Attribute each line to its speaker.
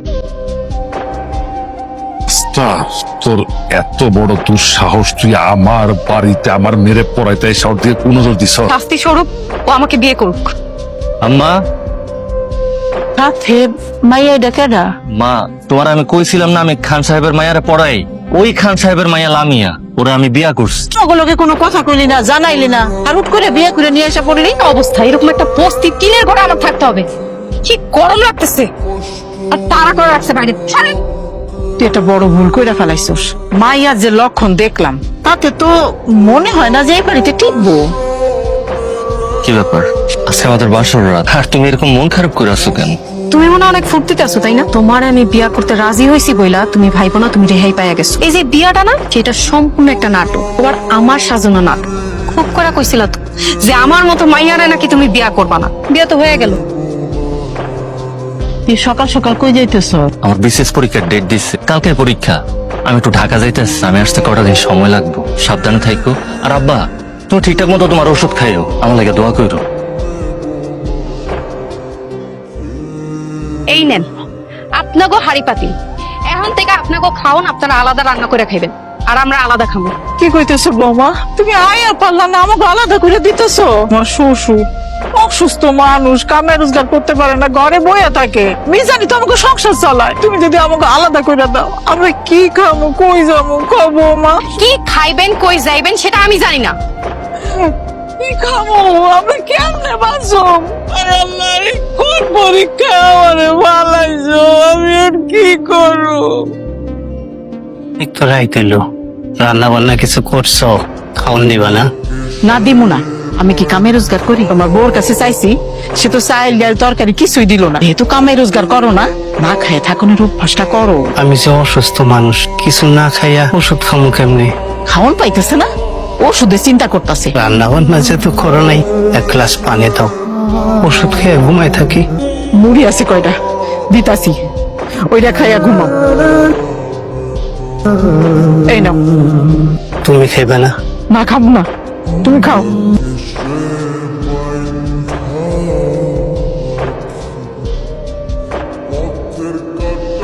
Speaker 1: তোর এত বড় দুঃসাহস, তুই আমার বাড়িতে আমার মেরে পড়াইতে শহর দিয়ে কোন নজর দিস?
Speaker 2: শাস্তি স্বরূপ ও আমাকে বিয়ে করুক।
Speaker 3: আম্মা,
Speaker 4: সাথে মাইয়া ডাকেডা
Speaker 3: মা তোমার আমি কইছিলাম না আমি খান সাহেবের মায়ারে পড়াই, ওই খান সাহেবের মায়া লামিয়া, ওরা আমি বিয়া করছি।
Speaker 4: ওগুলোকে কোনো কথা কইলি না, জানাইলি না, আর হুট করে বিয়ে করে নিয়ে এসে পড়লি।
Speaker 2: অবস্থা এরকম একটা বস্তি টিনের ঘরে আমার থাকতে হবে, কি গরম লাগতেছে, আর তাড়া করে রাখছে বাইরে। ছাড়েন।
Speaker 4: তুই একটা বড় ভুল কইরা ফেলাইছস। মাইয়ার যে লক্ষণ দেখলাম তাতে তো মনে হয় না যে এই বাড়িতে টিকবো।
Speaker 3: কি ব্যাপার, আজকে আমাদের বাসর রাত, আর তুমি এরকম মন খারাপ করে আছো কেন?
Speaker 2: তুমি মনে হয় অনেক ফুর্তিতে আছো তাই না? তোমার আমি বিয়া করতে রাজি হয়েছি বইলা তুমি ভাইবো না তুমি রেহাই পাইয়া গেছো। এই যে বিয়াটা না, সেটা সম্পূর্ণ একটা নাটক, তোমার আমার সাজানো নাটক। খুব করে কইছিল তো যে আমার মতো মাইয়ারে নাকি তুমি বিয়া করবা না। বিয়া তো হয়ে গেল।
Speaker 4: তুই সকাল সকাল কই যাইতেছ?
Speaker 3: আমার বিশেষ পরীক্ষার ডেট দিচ্ছে, কালকে পরীক্ষা। আমি একটু ঢাকা যাইতেছি, আমি আসতে কটা দিন সময় লাগবে, সাবধানে থাইকো। আর আব্বা, তুমি ঠিকঠাক মতো তোমার ওষুধ খাইও, আমার লাগে দোয়া করো।
Speaker 2: এই নেন আপনাগো হাড়ি পাতিল, এখন থেকে আপনাগো খাওন আপনারা আলাদা রান্না করে খাইবেন, আর আমরা আলাদা খাবো।
Speaker 4: কি কইতেছো বৌমা? তুমি আয়া পারলা না, আমাকে আলাদা করে দিতেছো? আমার শ্বশুর অসুস্থ মানুষ, কামে রোজগার করতে পারে না, ঘরে বইয়া থাকে। মিজানি তো আমাকে সংসার চালায়। তুমি যদি আমাকে আলাদা করে দাও, আমরা কি খাবো, কই যাবো? কবো মা
Speaker 2: কি খাইবেন কই যাইবেন সেটা আমি জানি না।
Speaker 4: কি খাবো? আমরা কেমনে বাঁচবো? আরে আল্লাহ, এই কোন পরীক্ষা আমারে ভালাইছো? আমি আর কি করবো?
Speaker 5: একটু রাইতে এলো, রান্না বান্না কিছু করছো, খাওন দিবা না?
Speaker 4: না দিমু না। আমি কি কামে রোজগার করি? তোমার বউর কাছে চাইছি, সে তো চাইল ডাল তরকারি কিছুই দিল না। যেহেতু কামে রোজগার করো না, না খায় থাকুনের অভ্যাসটা করো।
Speaker 5: আমি যে অসুস্থ মানুষ, কিছু না খাইয়া ওষুধ খামু কেমনে?
Speaker 4: খাওন পাইতেছে না, ওষুধে চিন্তা করতেছে।
Speaker 5: রান্না বান্না যেহেতু করো নাই, এক গ্লাস পানি দাও, ওষুধ খেয়ে ঘুমাই থাকি।
Speaker 4: মুড়ি আছে কয়টা, দিতাছি, ওইটা খাইয়া ঘুমাও। এই নাও।
Speaker 5: তুমি খাইবে না?
Speaker 4: না খাবো না, তুমি খাও।